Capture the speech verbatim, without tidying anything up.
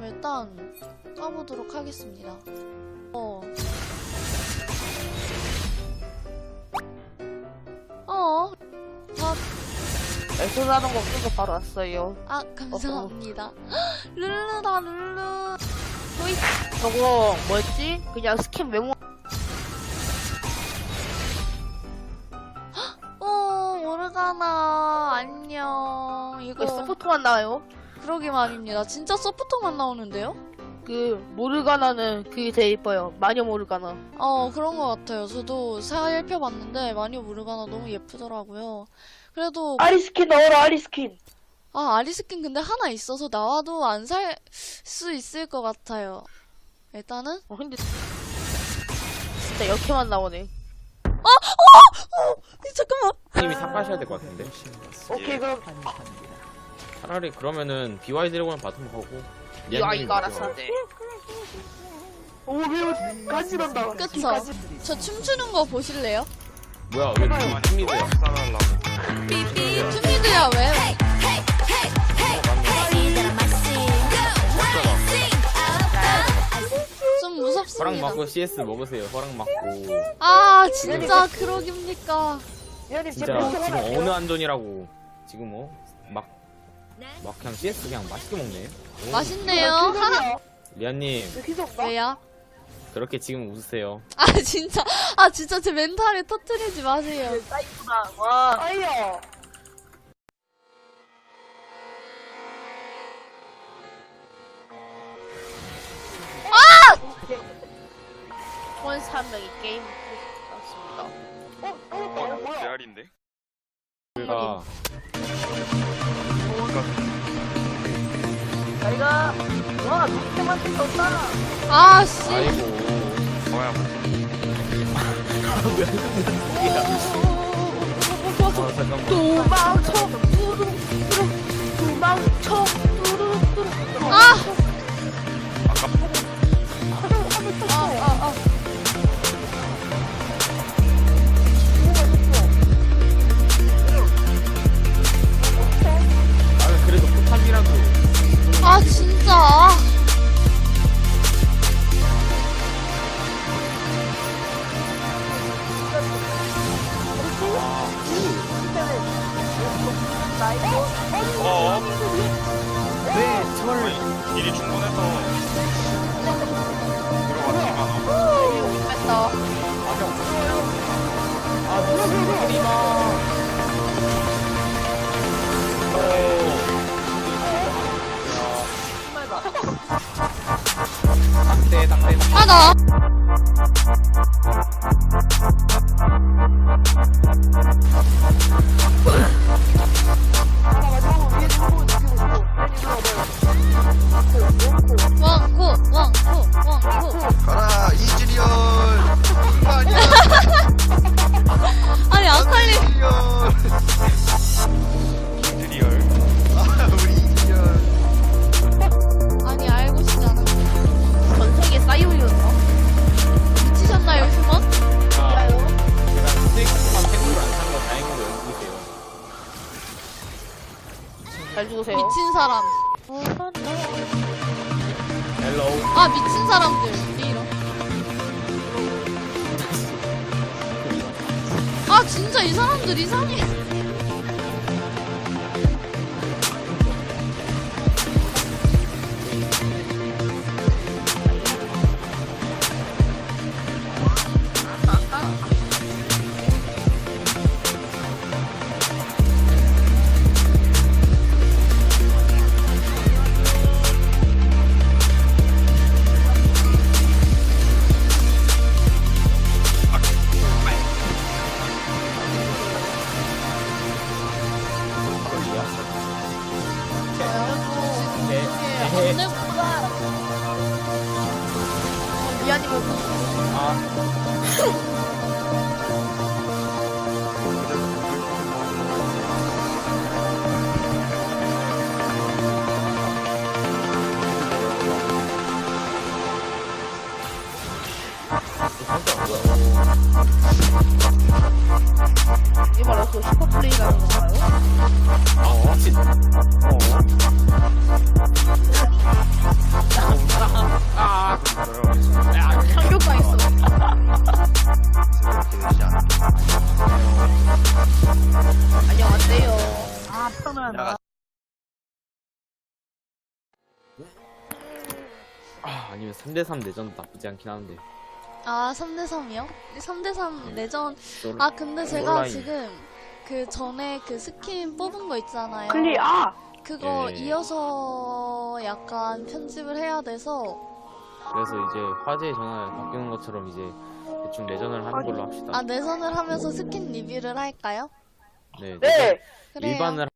그럼 일단 까보도록 하겠습니다. 어. 어. 아, 애써나는 거 없어서 바로 왔어요. 아 감사합니다. 룰루다 룰루. 호이 저거 뭐였지? 그냥 스킨 메모. 어 모르가나 안녕. 이거 왜 서포터만 나와요? 그러게 말입니다. 진짜 서포터만 나오는데요? 그 모르가나는 그게 제일 이뻐요. 마녀 모르가나. 어 그런 것 같아요. 저도 살펴봤는데 마녀 모르가나 너무 예쁘더라고요. 그래도 아리스킨 넣어라 아리스킨. 아 아리스킨 근데 하나 있어서 나와도 안 살 수 있을 것 같아요. 일단은 어 근데 진짜 역해만 나오네. 잠깐만. 님이 탑하셔야 될 것 같은데. 오케이 그럼 차라리 그러면은 비와이 드래곤 바텀 하고. 이거 이거 알았어. 오 매우 간지난다. 그쵸? 저 춤추는 거 보실래요? 뭐야 왜 그만 힘이돼요? 삐삐 춤이드야 왜? 좀 허락 무섭습니다. 맞고 씨에스 먹으세요. 허락 맞고. 아 진짜 그러깁니까? 미안님 진짜 지금 어느 안전이라고. 지금 뭐 막 막 그냥 씨에스 그냥 맛있게 먹네. 오. 맛있네요. 하하. 리안님 왜요? 그렇게 지금 웃으세요. 아 진짜 아 진짜 제 멘탈을 터뜨리지 마세요. 사이구나. 와. 아이야. 원삼 명이 게임 났습니다. 어? 어? 어? 뭐야? 레알인데? 우리가 저희가 와 밑에만 떴다. 아 씨. 아이고. 뭐야 뭐. 아 잠깐만. 도망쳐 뚜루뚜루 도망쳐 뚜루뚜루. 아. 아아아 아 그래도 포탑이라도. 아 진짜. 어? 네, 절. 일이 충분해서 들어갔지만 뺐다. 아 무슨 소리마. 딱대 딱대. 아 나. 왕코 왕코 왕코. 가라 이즈리얼 아니야 아니 아칼리. 이즈리얼 아 우리 이즈리얼 아니 알고 싶지 않아. 전 세계 싸이오리였나? 미치셨나요 휴먼? 아, 제가 스테이크만 생으로 안 산 거 다행으로 연습이세요. 잘 죽으세요. 미친 사람. 헬로우. 아 미친 사람들 이런. 아 진짜 이 사람들 이상해. 네. 미안이면 아. 이게 바로 그 슈퍼플레이라는 건가요? 어, 진, 어. 안녕하세요. 아, 편안. 야, 아, 아니면 삼 대 삼 내전도 나쁘지 않긴 한데. 아, 삼 대 삼이요? 삼 대 삼 네. 내전. 솔- 아, 근데 제가 온라인. 지금 그 전에 그 스킨 뽑은 거 있잖아요. 클리, 아! 그거 예. 이어서 약간 편집을 해야 돼서. 그래서 이제 화제의 전환을 바뀌는 것처럼 이제 대충 내전을 하는 걸로 합시다. 아, 내전을 하면서 스킨 리뷰를 할까요? 네. 네! 그래요. 일반을